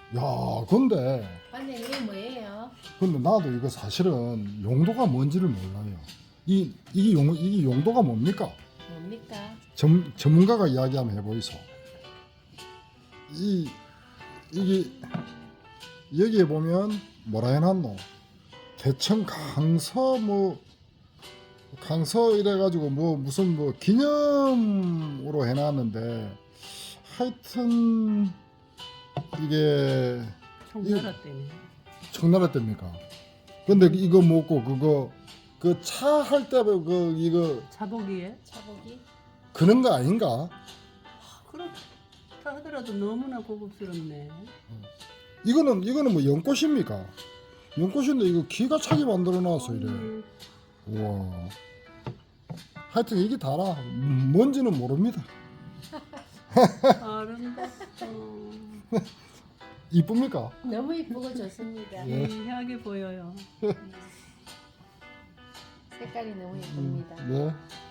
야, 근데 반장님 이게 뭐예요? 나도 이거 사실은 용도가 뭔지를 몰라요. 이게 용도가 뭡니까? 뭡니까? 전문가가 이야기 한번 해보이소. 이게 여기에 보면 뭐라 해놨노? 개천 강서 이래가지고 무슨 기념으로 해놨는데 하여튼 이게 청나라 때문에. 청나라 때입니까? 근데 이거 먹고 그 차 할 때 이거 자복이에. 차보기? 그런 거 아닌가? 그렇다 하더라도 너무나 고급스럽네. 이거는 뭐 연꽃입니까? 연꽃인데 이거 기가 차게 만들어 놨어 이래. 음, 우와. 하여튼 이게 다라. 뭔지는 모릅니다. 아름답다. 이쁩니까? 너무 이쁘고 좋습니다. 예. 귀하게 보여요. 색깔이 너무 이쁩니다. 네.